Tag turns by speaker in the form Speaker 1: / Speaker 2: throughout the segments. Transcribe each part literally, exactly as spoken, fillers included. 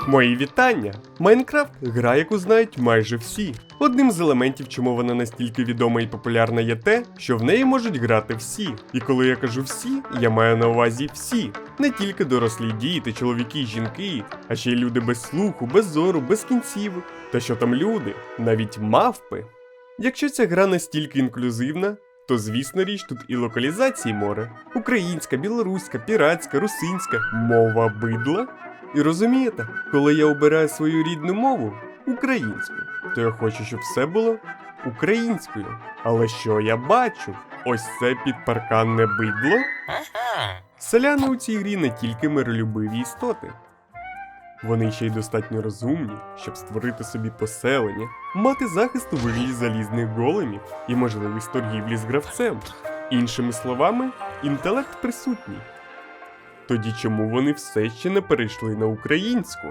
Speaker 1: Мої вітання! Майнкрафт – гра, яку знають майже всі. Одним з елементів, чому вона настільки відома і популярна, є те, що в неї можуть грати всі. І коли я кажу всі, я маю на увазі всі. Не тільки дорослі діти, чоловіки і жінки, а ще й люди без слуху, без зору, без кінцівок. Та що там люди? Навіть мавпи. Якщо ця гра настільки інклюзивна, то звісно річ тут і локалізації море. Українська, білоруська, піратська, русинська, мова бидла. І розумієте, коли я обираю свою рідну мову, українську, то я хочу, щоб все було українською. Але що я бачу? Ось це підпарканне бидло. Селяни у цій грі не тільки миролюбиві істоти. Вони ще й достатньо розумні, щоб створити собі поселення, мати захист у вигляді залізних големів і можливість торгівлі з гравцем. Іншими словами, інтелект присутній. Тоді чому вони все ще не перейшли на українську?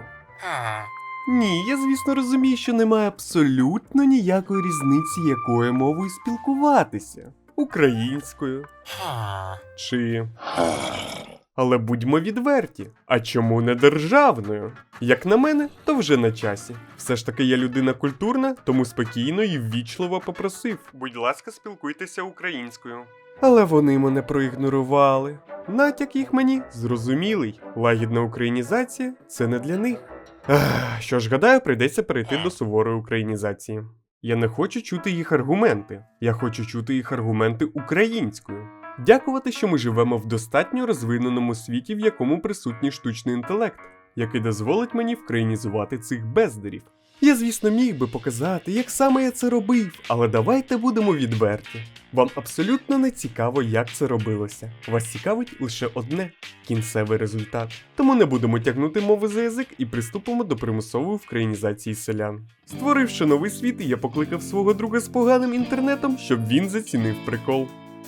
Speaker 1: Ні, я звісно розумію, що немає абсолютно ніякої різниці, якою мовою спілкуватися. Українською. Чи... Але будьмо відверті, а чому не державною? Як на мене, то вже на часі. Все ж таки я людина культурна, тому спокійно і ввічливо попросив. Будь ласка, спілкуйтеся українською. Але вони мене проігнорували. Натяк їх мені зрозумілий. Лагідна українізація – це не для них. Ах, що ж, гадаю, прийдеться перейти до суворої українізації. Я не хочу чути їх аргументи. Я хочу чути їх аргументи українською. Дякувати, що ми живемо в достатньо розвиненому світі, в якому присутній штучний інтелект, який дозволить мені вкраїнізувати цих бездарів. Я, звісно, міг би показати, як саме я це робив, але давайте будемо відверті. Вам абсолютно не цікаво, як це робилося. Вас цікавить лише одне – кінцевий результат. Тому не будемо тягнути мови за язик і приступимо до примусової вкраїнізації селян. Створивши новий світ, я покликав свого друга з поганим інтернетом, щоб він зацінив прикол.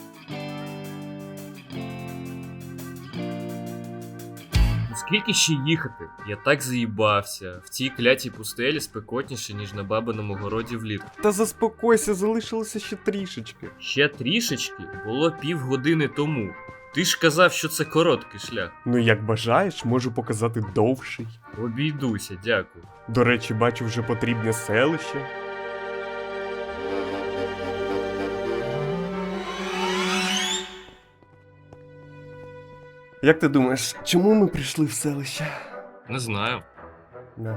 Speaker 2: Скільки ще їхати? Я так заїбався. В цій клятій пустелі спекотніше, ніж на бабиному городі влітку.
Speaker 1: Та заспокойся, залишилося ще трішечки.
Speaker 2: Ще трішечки було півгодини тому. Ти ж казав, що це короткий шлях.
Speaker 1: Ну як бажаєш, можу показати довший.
Speaker 2: Обійдуся, дякую.
Speaker 1: До речі, бачу вже потрібне селище. Як ти думаєш, чому ми прийшли в селище?
Speaker 2: Не знаю.
Speaker 1: На.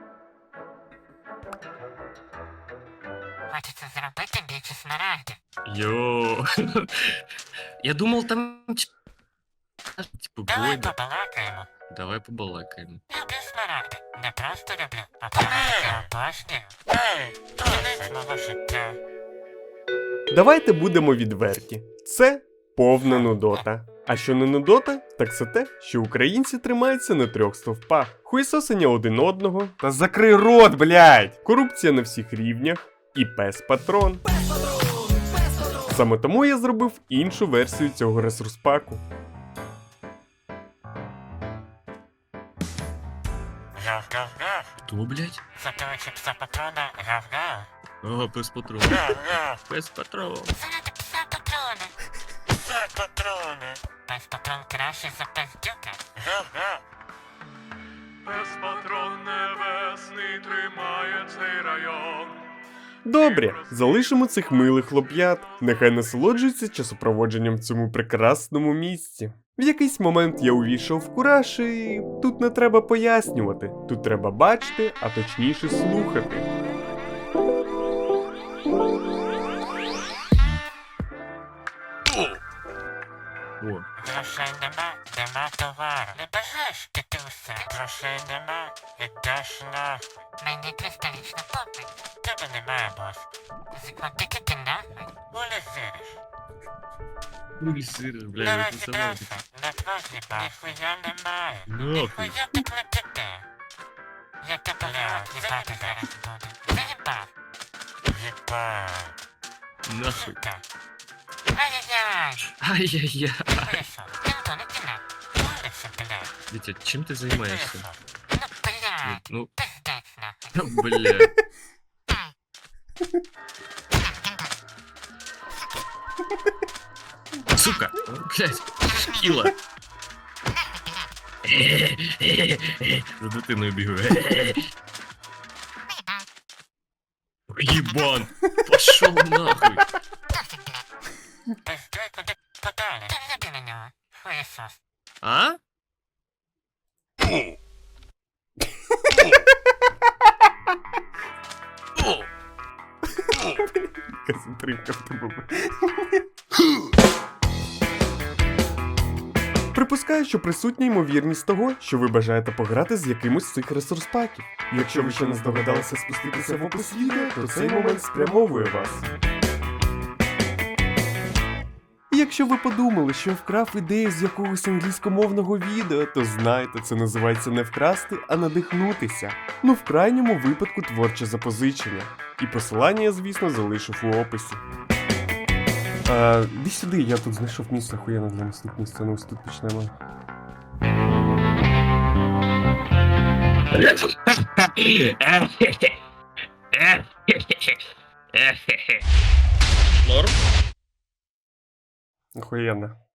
Speaker 3: Хочеться зробити більше снаряди.
Speaker 2: Йо. Я думав там... Типу,
Speaker 3: Давай
Speaker 2: бойда.
Speaker 3: побалакаємо.
Speaker 2: Давай побалакаємо.
Speaker 3: Люблю снаряди. Не просто люблю, а побалакаю обожнюю. Ей, кінець мого життя.
Speaker 1: Давайте будемо відверті. Це повна нудота. А що не нудота, так це те, що українці тримаються на трьох стовпах. Хуйсосення один одного, та закрий рот, блядь! Корупція на всіх рівнях і пес-патрон. Саме тому я зробив іншу версію цього ресурс-паку.
Speaker 3: Гав-гав-гав.
Speaker 2: Хто, блядь?
Speaker 3: Затовичі пса патрона гав-гав.
Speaker 2: О, пес патрон.
Speaker 3: Гав-гав.
Speaker 2: Пес патрон.
Speaker 3: Заради пса патрони. Пса патрони. Пес патрон краще за пес дюка. Гав-гав.
Speaker 4: Пес патрон небесний тримає цей район.
Speaker 1: Добре, залишимо цих милих хлоп'ят. Нехай насолоджуються часопроводженням в цьому прекрасному місці. В якийсь момент я увійшов в кураж і тут не треба пояснювати. Тут треба бачити, а точніше слухати.
Speaker 2: О,
Speaker 3: Грошей нема, нема товару. Не бажаєш піти усе? Грошей нема, ідеш нахуй. Мені кристалічно попить. Тебе немає, бос. Закладики ти нахуй. Улізиш.
Speaker 2: улісир, блядь,
Speaker 3: Не
Speaker 2: це
Speaker 3: розібрався.
Speaker 2: сама.
Speaker 3: Не просипа. Ніхуя немає.
Speaker 2: Нахуй.
Speaker 3: Ніхуя ти клепите. Я тебе їбати зараз буду. Заїбав. Їбав.
Speaker 2: Нахуй.
Speaker 3: Сука. Ай-яй-яй.
Speaker 2: Ай-яй-яй.
Speaker 3: Вийшов. Ніхто не кидав. Улиця, блядь.
Speaker 2: Дитя, чим ти займаєшся?
Speaker 3: Вийшов. Ну, блядь.
Speaker 2: Ну,
Speaker 3: Пиздець нахуй.
Speaker 2: ну, блядь. Сука, блядь, шкіла. За дитиною бігаю. Єбан! Пошов нахуй!
Speaker 3: Досить, блядь. Пиздуй куди подалі. Та не гляди на нього. Хуєсос.
Speaker 2: А?
Speaker 1: Яка затримка в тебе. Припускаю, що присутня ймовірність того, що ви бажаєте пограти з якимось з цих ресурс-паків. Якщо ви ще не здогадалися спуститися в опис відео, то цей момент спрямовує вас. І якщо ви подумали, що я вкрав ідею з якогось англійськомовного відео, то знайте, це називається не вкрасти, а надихнутися. Ну, в крайньому випадку творче запозичення. І посилання я, звісно, залишив у описі. А, іди сюди, я тут знайшов місце охуєнне для наступної сцени, ось тут почнемо.
Speaker 2: Норм?
Speaker 1: Охуєнно.